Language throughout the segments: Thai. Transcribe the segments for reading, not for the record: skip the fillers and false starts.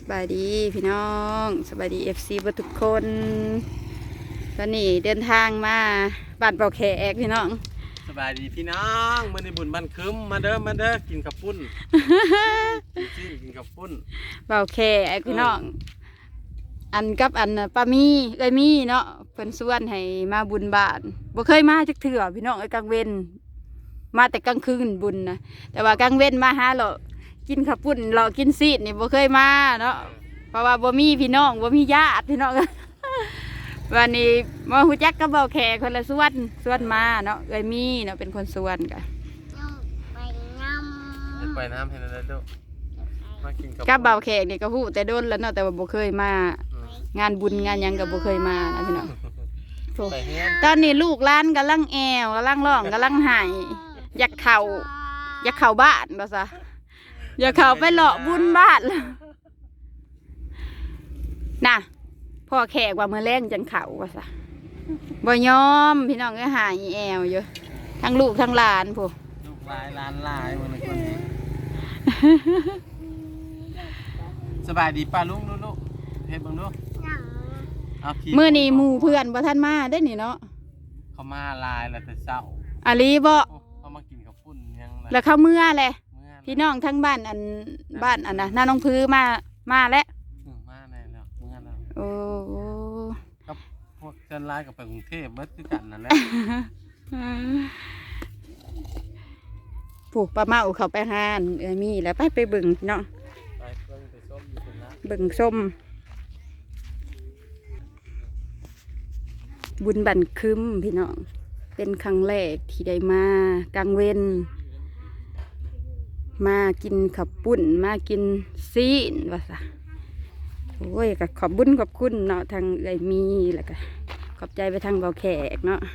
บายดีพี่น้องสบายดีFCเบทุกคนตอนนี้เดินทางมาบ้านเป่าแขกพี่น้องสบายดีพี่น้องมื้อนี้บุญบ้านคึมมาเด้อกินข้าวปุ้นกินข้าวปุ้นเป่าแขกพี่น้องอันกับอันป้ามีเอ้ยมีเนาะเพิ่นชวนให้มาบุญบ้านบ่เคยมาจักเทื่อพี่น้องไอ้กลางเว้นมาแต่กลางคืนบุญนะแต่ว่ากลางเว้นมาหาเรากินข้าวปุ้นเรากินซีดนี่บ่เคยมาเนาะเพราะว่าบ่มีพี่น้องบ่มีญาติพี่น้อง วันนี้มาฮู้จักกับเบาแขกคนละส่วนมาเนาะเอ้ยมีเนาะเป็นคนส่วนกันไปน้ำให้แล้วเด้อมากินกับเบาแขกนี่ก็ฮู้แต่โดนแล้วเนาะแต่ว่าบ่เคยมางานบุญงานหยังก็บ่เคยมานะพี่น้องตอนนี้ลูกหลานกำลังแอวกำลังร้องกำลังหายอยากเข้าบ้านบ่ซะอยากเข้าไปเลาะบุญบ้านน่ะพ่อแขกว่ามื้อแรงจังเข้าว่าซะบ่ยอมพี่น้องก็หายแอวอยู่ทั้งลูกทั้งหลานผู้ลูกหลานหลายมื้อนี้คนนี้สบายดีป้าลุงลูกเฮ็ดเบิ่งดูมื้อนี้หมู่เพื่อนบ่ทันมาได้นี่เนาะเขามาลายแล้วแต่เช้าอาลีบ่เขามากินข้าวปุ้นยังแล้วเขาเมื่อแหละพี่น้องทั้งบ้านอันน่ะน้าน้องพื้มาแล้วมาแน่แล้วเมื่อแล้วโอ้กับพวกเชิญลายกับไปกรุงเทพเบิดคือกันนั่นแหละผูกปลาเมาเขาไปหานมีแล้วไปเบิ่งเนาะเบิ่งส้มบุญบันคึมพี่น้องเป็นครั้งแรกที่ได้มากลางเว้นมากินขับปุ้นมากินซีนว่าซะโอ้ยก็ขอบบุญขอบคุณเนาะทางเอ้ยมีแล้วก็ขอบใจไปทางเบาแขกเนาะ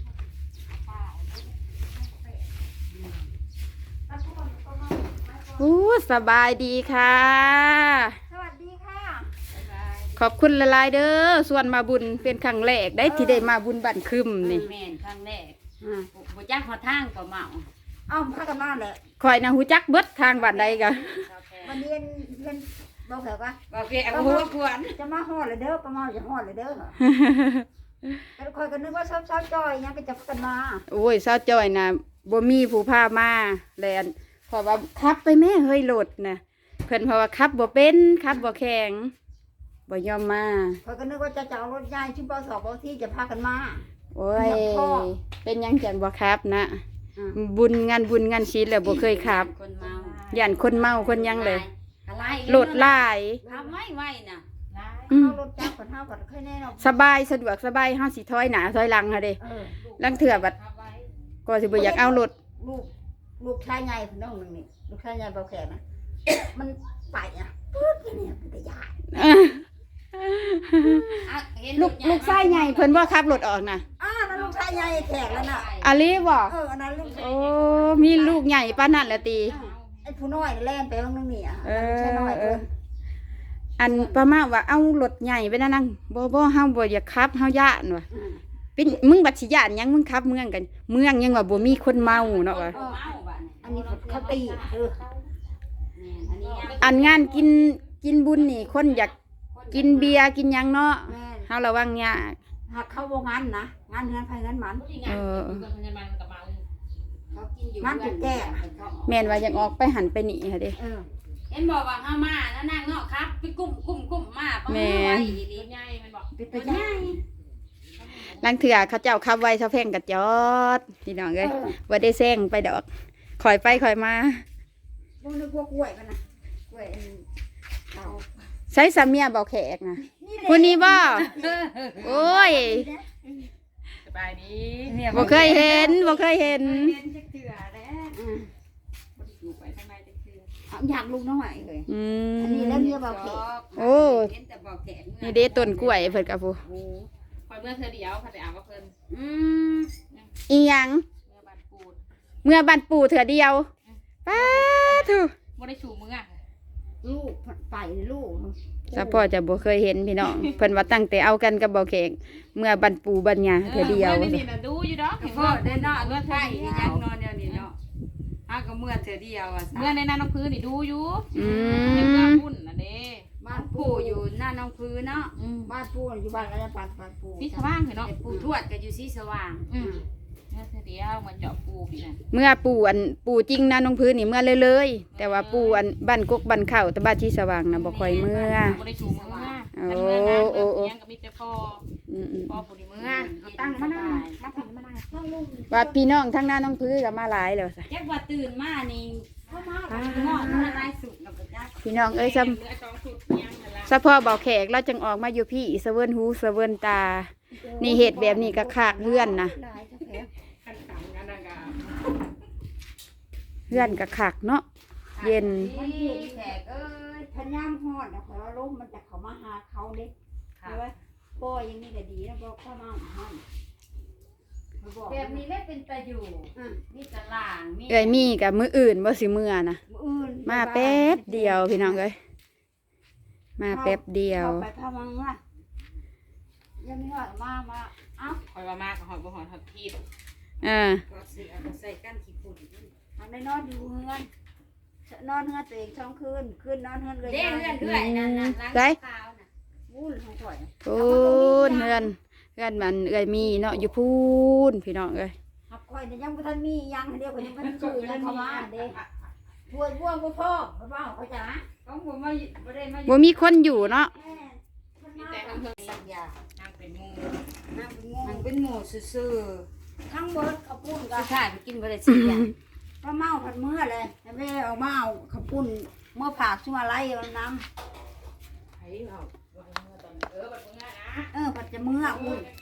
โอ้สบายดีค่ะสวัสดีค่ะขอบคุณละลายเด้อส่วนมาบุญเป็นครั้งแรกได้ที่ได้มาบุญบันคึมนี่แม่นครั้งแรกบ่จักหัวทางก็เมาพากันมาแหละคอยนะหูจักเบิดทางบ้านใดกะวันนี้เรียนบอกเหรอวะบอกเกี่ยวหัวขวัญจะมาฮอดเลยเด้อประมาณจะฮอดเลยเด้อแต่คอยก็นึกว่าเช้าจอยยังก็จะกันมาโอ้ยเช้าจอยนะบ่มีผู้พามาแลนเพราะว่าขับไปแม่เฮ้ยรถนะเพิ่นเพราะว่าขับบ่เป็นขับบ่แข็งบ่ยอมมาคอยก็นึกว่าจะเอารถใหญ่ชุดปสอบที่จะพากันมาโอ้ยเป็นยังจังบ่ครับนะงานบุญงานศีลแล้วบ่เคยขับย่านคนเมาคนยังเลยรถหลายทำไม่น่ะรถจักรเฮาก็เคยแน่เนาะสบายสะดวกสบายเฮาสิถอยหน้าถอยหลังค่ะเด้ลังเถื่อบัดก็สิบ่อยากเอารถลูกชายใหญ่น้องนึงนี่ลูกชายใหญ่เบาแขกนะมันไปอ่ะปึ๊ดเนี่ยเป็นตาใหญ่ลูกชายใหญ่เพิ่นบ่ขับรถออกน่ะนั่นลูกชายใหญ่แขกแล้วน่ะอาลีบ่อันนั้นลูกโอ้มีลูกใหญ่ปานนั้นแหละติไอ้ผู้น้อยแล่นไปบางนึงนี่ใช่น้อยอันประมาณว่าเอารถใหญ่ไปนั่งบ่เฮาบ่อยากขับเฮาย่านว่ะเป็นมึงบัดสิย่านยังมึงขับเมืองกันเมืองยังว่าบ่มีคนเมาเนาะว่ะอันนี้เขาตีอันงานกินบุญนี่คนอยากกินเบียร์กินหยังเนาะเฮาระวังยากหากเข้าบ่งานนะงานเฮือนไผงานมันงานจุดแก่แม่นว่าอยากออกไปหันไปนี่ค่ะเด้เห็นบอกว่าเฮามาแล้วนางเนาะครับไปกุ้มมาแม่ใหญ่มันบอกเป็นตัวใหญ่ลังเถื่อเขาเจ้าขับไว้ซะแพงกระจอดพี่น้องเอ้ยบ่ได้แซงไปดอกคอยไปคอยมาบ่นึกว่ากล้วยกันนะกล้วยใช้สามีเบาแขกนะคนนี้บ่โอ้ยสบายดีบ่เคยเห็นอยากลูกน้อยเลยอันนี้แล้วเมียเบาแขกโอ้นี่เด้ต้นกล้วยเพิ่นกับผู้คอยเมื่อเธอเดียวค่ะแต่อ่านว่าเพิ่นอีหยังเมื่อบันปูเถื่อเดียวป้าถูบ่ได้ชูมือลูกไปลูกซะพ่อจะบ่เคยเห็นพี่น้องเพิ่นว่าตั้งแต่เอากันกับเบาแขกเมื่อบันปูบัญญาเถื่อเดียวนี่น่ะดูอยู่ดอกพ่อได้เนาะเมื่อไทยยังนอนเดียวนี่เนาะก็เมื่อเถื่อเดียวเมื่อในนั้นน้องพื้นนี่ดูอยู่เมื่อพุ่นน่ะเด้บ้านปู่อยู่หน้าน้องพื้นเนาะบ้านปูอยู่บ้านอะไรบ้านปูที่สว่างเหรอเนาะแต่ปูปู่ทวดก็อยู่ที่สว่างเนี่ยเดียวมันเจาะปูพี่น่ะเมื่อปู่จริงนะน้องพื้นนี่เมื่อเลยแต่ว่าปู่บ้านกกบ้านเข่าแต่บ้านที่สว่างนะบ่ค่อยเมื่อบ่ได้ชูมือกันเมื่องานยังก็มีแต่พ่อผู้ดีเมื่อเอาตั้งมานั่งมาถึงมานั่งว่าพี่น้องทั้งหน้าน้องพื้นก็มาหลายแล้วซะแยกว่าตื่นมานี่เข้ามาหม้อมาลายสุดแล้วก็จักพี่น้องเอ้ยซ้ำสะพ่อเบาแขกเราจังออกมาอยู่พี่สะเวินหูสะเวินตา นี่เห็ดแบบนี้ก็คากเฮือนนะเฮือนก็คากเนาะเย็นมันเห็นแขกทันยามฮอดนะขอลมมันจะเข้ามาหาเขาเด้ใช่ไหมโป้ยังนี่ก็ดีนะบอกเข้ามาห้องแบบนี้ได้เป็นตะอยู่มีตะล่างมีเอ้ยมีกับมืออื่นบ่สิมือนะอื่นมาแป๊บเดียวพี่น้องเอ้ยมาแป๊บเดียวไปพามังว่ายังไม่หอดมาเอ้าคอยว่ามากหอยบ่หอยทอดทีบ ก็สิเอาใส่ก้านขี้ฝุ่นทำได้นอนอยู่เฮือนนอนเฮือนตัวเองช่องคืนนอนเฮือนเลยเด้เรื่อยนั่นล้างขาวน่ะวุ้นของข่อยพูนเฮือนมันเอ้ยมีเนาะอยู่พูนพี่น้องเอ้ยหักข่อยเนี่ยยังบ่ทันมียังเดียวก็ยังบ่ทันซื้อยังเข้ามาเด้บวชบ่พ่อบ่เขาจ๋าต้องบ่มาบ่ได้มาบ่มีคนอยู่เนาะมีแต่ทำเพิ่นสักอย่างนางเป็นหมู่นั่งเป็นงนาง งเป็นหมู่ซื่อทั้งเบิดข้าวปุ้นๆกัสุบดท้ายไปกินบ่ได้สักอย่างป้าเมาผัดเมื่อเลยแม่เอามาเอาข้าวปุ้นเมื่อผักชั่วไรเอาน้ไผเอาบ่ให้มื้อตอนบัดมื้อนะำผัดจะเมื่ออุ้ย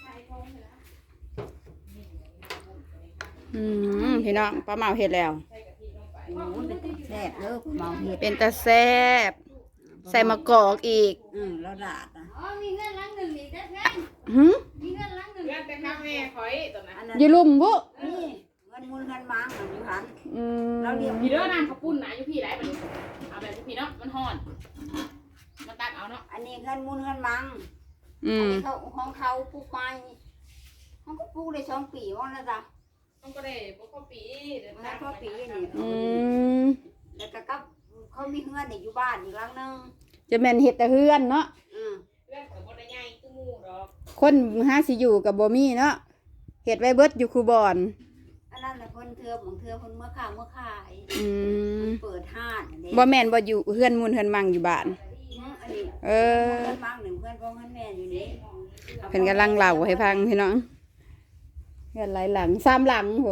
พี่น้องป้าเมาเฮ็ดแล้วโอ้ยเป็นแซ่บเด้อเมาเห็ดเป็นตาแซ่บใส่มะกอกอีกแล้วดาดนะอ๋อมีเงินหลังหนึงอีกเด้อแม่หึมีเงินหลังหนึงเงินแต่ข้าแม่ข่อยตอนนั้นอันนั้นอยู่ลุ่มบุนี่เงินมูลเงินมังอันนี้หันอืมเราเรียกพี่เด้อนางข้าวปุ้นนะอยู่พี่ได้บัดนี้เอาแบบพี่เนาะมันฮ้อนมาตักเอาเนาะอันนี้เงินมูลเงินมังอือันมนี้เขาของเขาปลูกไม้เขาก็ปลูกได้2 ปีว่าแล้วจ้ะมันก็ได้บ่พอปีเดือนมันได้พอปีนี่อืมแล้วก็กับเขามีเงินอยู่บ้านอีกหลังนึงจะแม่นเฮ็ดแต่เฮือนเนาะเรื่องก็บ่ได้ใหญ่คือหมู่ดอกคนหาสิอยู่กับบ่มีเนาะเฮ็ดไว้เบิดอยู่คูบอนอันนั้นแหละคนเธอของเธอคนเมื่อข้าวเมื่อขายอืมเปิดห้านอันนี้บ่แม่นบ่อยู่เฮือนมูลเฮือนมังอยู่บ้านอันนี้เออเพื่อนบ้างหนึ่งเพื่อนพ่อเพื่อนแม่อยู่นี่เพิ่นกำลังเล่าให้ฟังพี่น้องเฮือนหลายหลัง3หลังโห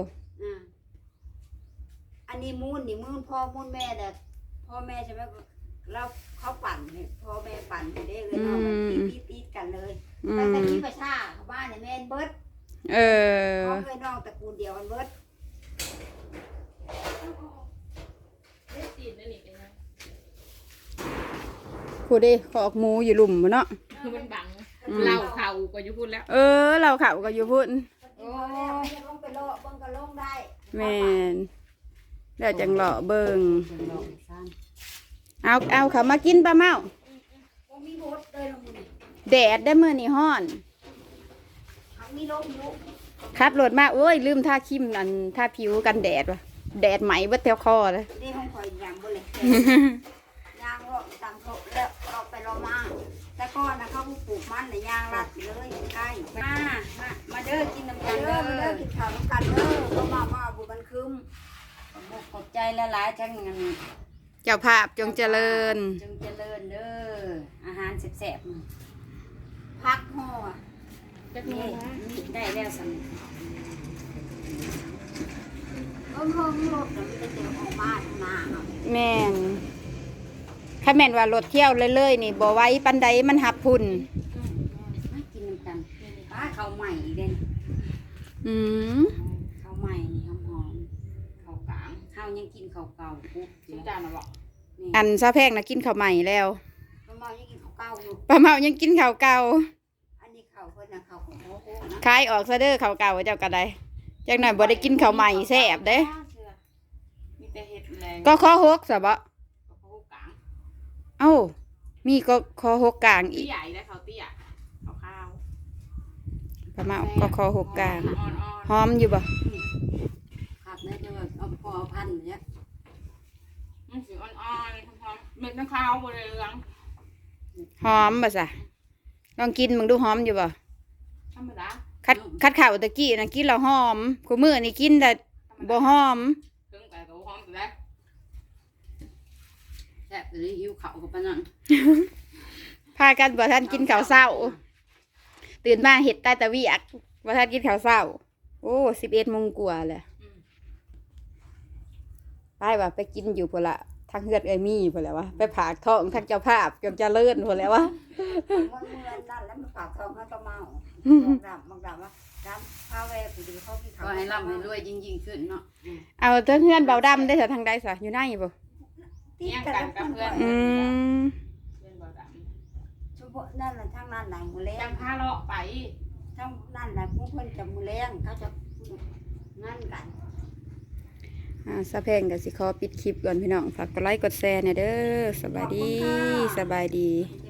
อันนี้มูนนี่มูนพ่อมูนแม่แต่พ่อแม่ใช่ไหมเราเขาปั่นเนี่ยพ่อแม่ปั่นไปได้เลยเนาะมันตีกันเลยอืแต่แต่มที่ประชาเขาบ้านเนี่ยแม่นเบิดเออเขาเคยน้องตระกูลเดียวกันเบิดได้ตีนนั่นนี่เป็นไงผู้ใดขอกหมูอยู่หลุมบ่เนาะคือมันบังเหล้าเข่าก็อยู่พูดแล้วเออเราเขาก็อยู่พุ่นโอ้ยลงไปโลเบิ่งก็ลงได้แม่นแล้วจังเลาะเบิ่งเอาเขามากินปลาเมาบ่มีรถเลยลงนี่แดดได้มื้อนี้ฮ้อนเขามีลมอยู่ขับรถมาโอ้ยลืมทาครีมอันทาผิวกันแดดว่ะแดดไหมเบิดแถวคอเลยนี่ห้องคอยยางบ่เลยยางเลาะตามเขาแล้วเราไปเรามาแต่ก่อนนะเขาปลูกมันน่ะยางลัดไปเลยใกล้มาเด้อกินน้ำกันเด้อมาเด้อกินข้าวน้ำกันเด้อเขามาบุบันคืมขอบใจหลายๆทั้งนั้นเจ้าภาพจงเจริญจงเจริญเด้ออาหารแซ่บๆพักห่อจักนี่ได้แล้วสั่งเพิ่มรถเดี๋ยวมันจะเจอออกมาหน้าเนาะแม่นถ้าแม่นว่ารถเที่ยวเลยๆนี่บ่ไหว้ปันใดมันหับพุ่นมากินน้ำกันข้าวใหม่อีกเด่นอืมข้าวใหม่นี่หอมข้าวกลางข้าวยังกินข้าวเก่าปุ๊บชิมจานน่ะบ่อันซาแพงน่ะกินข้าวใหม่แล้วป้าเมายังกินข้าวเก่าอยู่ป้าเมายังกินข้าวเก่าอันนี้ข้าวเพิ่นน่ะข้าวของโอ้โหนะขายออกซะเด้อข้าวเก่าเจ้าก็ได้จักหน่อยบ่ได้กินข้าวใหม่แซ่บเด้มีแต่เห็ดแรงก็ข้อหกซะบ่กับข้าวกลางเอ้ามีก็ข้อหกกลางอีตี้กใหญ่ได้เขาเตี้ยข้าวป้าเมาก็ข้อหกกลางอ่อนหอมอยู่บ่ครับเนี่ยจะแบบเอาพอพันเนี่ยๆมันสีอ่อนๆหอมๆเม็ดน้ำข้าวบริเวณหหอมบ่ซะลองกินมึงดูหอมอยู่บ่ธรรมดาคัดข่าวตะกี้นะกินแล้วหอมกูมื้อนี่กินแต่บ่หอมถึงไก่กับหอมอยู่แล้วแซ่บเลยหิวข้าวกับปานนั้นพากันบ่ทันกินข้าวเช้าตื่นมาเฮ็ดใต้ตะเวียกบ่ทันกินข้าวเช้าโอ้11 โมงกว่าแล้วไปว่าไปกินอยู่พุ่นละทางเฮือดเอ้ยมีพุ่นแหล้ววะไปผากท้องทางเจ้าภาพจนเจริญพุ่นแหล้ววะมันเมื่อนั่นแล้วมันปากทองมันก็เมาบอกดำว่าดำพาแวไปดูเขาที่เขาให้ร่ำให้รวยยิ่งขึ้นเนาะเอาเทั้งเฮือนเบาดำได้เถอะทางใดซะอยู่ไหนบ่เลี้ยงกันกับเพื่อนอืมเพื่อนบ่ดเฉพาะนั่นแหละทางนั่นไหนมือแรำจังงพาเลาะไปทางนั่นแหละพวกเพื่อนจะมือแรงเขาจะนั่นกันสะเพงก็สิขอปิดคลิปก่อนพี่น้องฝากกดไลค์กดแชร์เนี่ยเด้อสบายดีสบายดี